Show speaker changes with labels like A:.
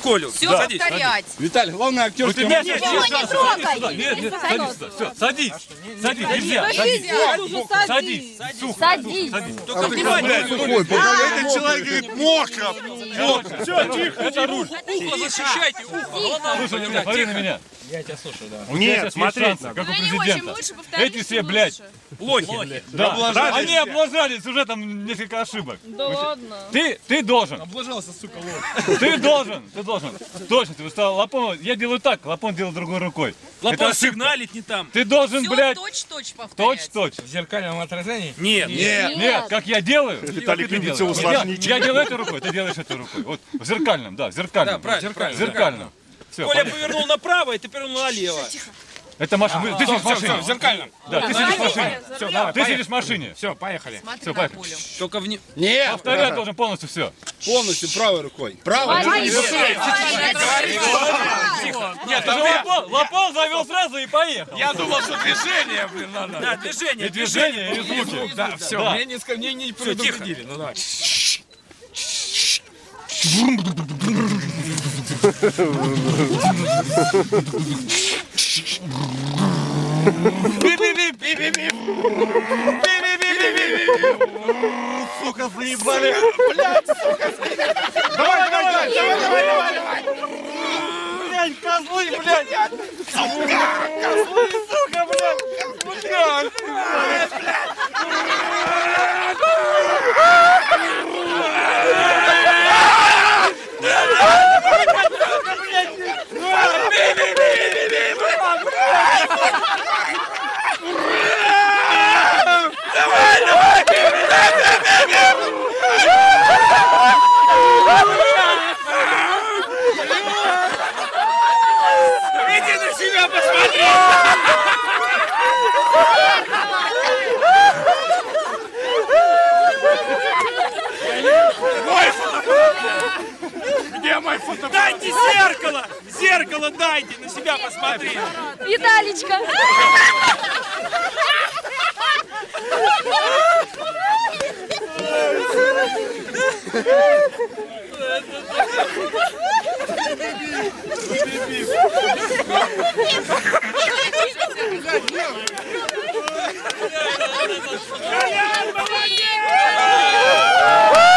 A: Колю.
B: Все повторять.
C: Виталий, главное актерский
B: Его не трогай.
D: Нет, садись, все, садись, нельзя, садись,
B: Садись.
A: Только внимательно.
C: Этот человек говорит, мокро.
D: Все, тихо, это руль.
A: Ухо защищайте, ухо.
D: Слушай меня, смотри на меня.
E: Я тебя слушаю, да.
D: Нет, смотри, как у президента. Эти все, блядь,
A: Лохи.
D: да, они облажались, уже там несколько ошибок.
B: Да ладно.
D: Ты должен.
E: Облажался, сука, лох.
D: Ты должен. Точно, ты устал. Лапон, я делаю так, Лапон делает другой рукой.
A: Лапон сигналит не там.
D: Ты должен,
B: Все
D: блядь,
B: точь-точь повторять.
D: точь.
E: В зеркальном отражении?
A: Нет.
D: Нет, как я делаю.
C: Виталик
D: как ты
C: любит
D: делаешь.
C: все усложнить.
D: Я делаю этой рукой, ты делаешь этой рукой. Вот, в зеркальном, да, в зеркальном.
A: Да, правильно.
D: Зеркальном. Все,
A: Коля повернул направо, и ты повернул налево.
D: это машина. Ты сидишь в машине.
E: в зеркальном.
D: Да, ты сидишь в машине.
E: Все, давай,
D: Ты сидишь в машине.
E: Все, поехали.
B: Смотри
D: Все,
B: на
D: поехали.
B: Колю.
A: Только в
C: Нет,
D: Повторять должен полностью все.
C: полностью правой рукой. Правой.
D: Нет, Лапон завел сразу и поехал.
E: Я думал, что движение, блин, надо.
A: Да, движение.
D: И движение, и звуки.
E: Да, все,
D: Да.
E: мне не предупредили. Ну давай.
D: Сука, заебали.
C: Давай.
D: Блядь, козлы, блядь. Козлы, сука, блядь.
A: Иди на себя посмотри!
E: Где мой фото?
A: Дайте зеркало! Зеркало дайте, на себя посмотри!
B: Виталичка.
A: Колян, молодец!